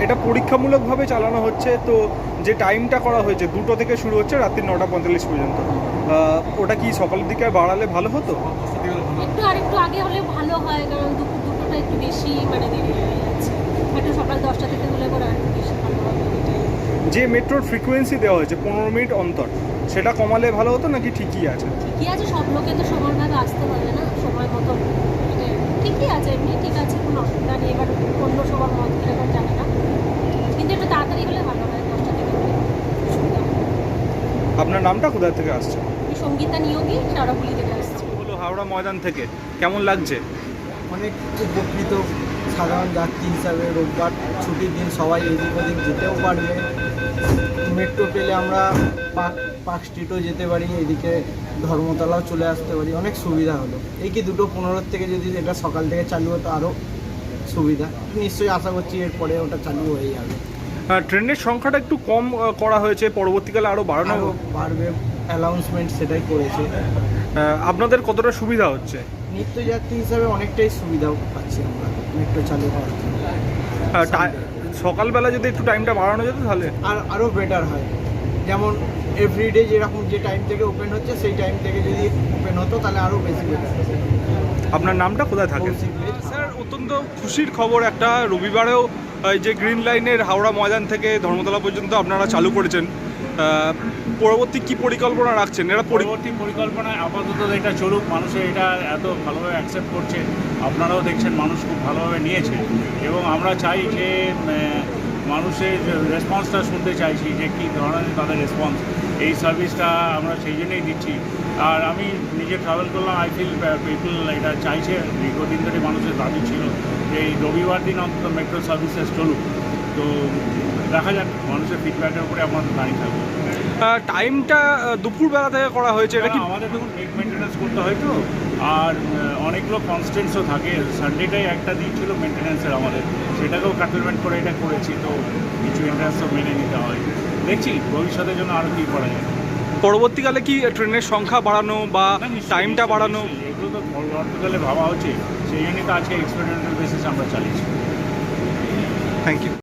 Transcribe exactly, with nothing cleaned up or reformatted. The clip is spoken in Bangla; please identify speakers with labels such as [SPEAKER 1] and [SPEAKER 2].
[SPEAKER 1] এটা পরীক্ষামূলকভাবে চালানো হচ্ছে, তো যে টাইমটা করা হয়েছে দুটো থেকে শুরু হচ্ছে রাত্রি নটা পঁয়তাল্লিশ পর্যন্ত, ওটা কি সকালের দিকে বাড়ালে ভালো হতো?
[SPEAKER 2] একটু আর একটু আগে হলে ভালো হয়, কারণ দুপুর দুটোটা একটু বেশি মানে দেরি হয়ে যাচ্ছে। একটু সকাল দশটা থেকে হলে পরে আর একটু বেশি ভালো হবে।
[SPEAKER 1] যে মেট্রোর ফ্রিকোয়েন্সি দেওয়া হয়েছে পনেরো মিনিট অন্তর, সেটা কমালে ভালো হতো নাকি ঠিকই আছে?
[SPEAKER 2] ঠিকই আছে, সব লোকে তো সমানভাবে আসতে পারবে না সময় মতো, মানে ঠিকই আছে, এমনি ঠিক আছে, কোনো অসুবিধা নেই। এবার অন্য সবার মত কিরকম জানে না, কিন্তু একটু তাড়াতাড়ি হলে ভালো হয়, দশটা থেকে হলে সুবিধা হয়।
[SPEAKER 1] আপনার নামটা কোথা থেকে আসছে?
[SPEAKER 2] আমি সঙ্গীতা নিয়োগী, শাওড়াফুলি থেকে আসছি।
[SPEAKER 1] হলো হাওড়া ময়দান থেকে, কেমন লাগছে?
[SPEAKER 3] অনেক উপকৃত। সাধারণ যাত্রী হিসাবে রোববার ছুটির দিন সবাই এদিক ওদিক যেতেও পারবে। মেট্রো পেলে আমরা পার্ক পার্ক স্ট্রিটও যেতে পারি, এদিকে ধর্মতলাও চলে আসতে পারি, অনেক সুবিধা হলো। এই কি দুটো পনেরোর থেকে যদি এটা সকাল থেকে চালু হতো আরও সুবিধা। নিশ্চয়ই আশা করছি এরপরে ওটা চালু হয়ে যাবে।
[SPEAKER 1] ট্রেনের সংখ্যাটা একটু কম আহ, করা হয়েছে, পরবর্তীকালে আরও বাড়ানো
[SPEAKER 3] আরও বাড়বে, অ্যানাউন্সমেন্ট সেটাই করেছে।
[SPEAKER 1] আহ, আপনাদের কতটা সুবিধা হচ্ছে?
[SPEAKER 3] নিত্যযাত্রী হিসাবে অনেকটাই সুবিধাও পাচ্ছি আমরা মেট্রো চালু হওয়ার জন্য।
[SPEAKER 1] আহ, টা- সকালবেলা যদি একটু টাইমটা বাড়ানো যেত তাহলে
[SPEAKER 3] আর আরও বেটার হয়। যেমন এভরিডে যেরকম যে টাইম থেকে ওপেন হচ্ছে সেই টাইম থেকে যদি ওপেন হতো তাহলে আরও বেশি বেটার।
[SPEAKER 1] আপনার নামটা কোথায় থাকে? স্যার, অত্যন্ত খুশির খবর একটা, রবিবারেও এই যে গ্রিন লাইনের হাওড়া ময়দান থেকে ধর্মতলা পর্যন্ত আপনারা চালু করেছেন। আহ, পরবর্তী কি পরিকল্পনা রাখছেন? এরা পরি-
[SPEAKER 4] পরবর্তী পরিকল্পনায় আপাতত এটা চলুক, মানুষের এটা এত ভালোভাবে অ্যাকসেপ্ট করছে, আপনারাও দেখছেন মানুষ খুব ভালোভাবে নিয়েছে, এবং আমরা চাই যে আহ, মানুষের রেসপন্সটা শুনতে চাইছি যে কী ধরনের তাদের রেসপন্স, এই সার্ভিসটা আমরা সেই জন্যই দিচ্ছি। আর আমি নিজে ট্রাভেল করলাম, আই ফিল পিপল এটা চাইছে, দীর্ঘদিন ধরে মানুষের দাবি ছিল যে এই রবিবার দিন অন্তত মেট্রো সার্ভিসেস চলুক। তো দেখা যাক, মানুষের ফিডব্যাকের উপরে আমাদের দাঁড়িয়ে থাকবো।
[SPEAKER 1] আহ, টাইমটা আহ, দুপুরবেলা থেকে করা হয়েছে, এটা কি?
[SPEAKER 4] আমাদের দেখুন নেট মেনটেন্যান্স করতে হয় তো, আর আহ, অনেকগুলো কনস্টেন্টসও থাকে। সানডেটাই একটা দিন ছিল মেনটেন্যান্সের আমাদের, সেটাকেও কাটলমেন্ট করে এটা করেছি, তো কিছু মেনটেন্যান্সও মেনে নিতে হয়। দেখছি ভবিষ্যতের জন্য আরও কী করা যায়।
[SPEAKER 1] পরবর্তীকালে কি ট্রেনের সংখ্যা বাড়ানো বা
[SPEAKER 4] না, নিশ্চয়ই,
[SPEAKER 1] টাইমটা
[SPEAKER 4] নিশ্চয়ই,
[SPEAKER 1] বাড়ানো?
[SPEAKER 4] নিশ্চয়ই। এগুলো তো পরবর্তীকালে ভাবা হচ্ছে, সেই জন্যই তো আজকে এক্সপেরিমেন্টাল বেসিস আমরা চালিয়েছি।
[SPEAKER 1] Thank you.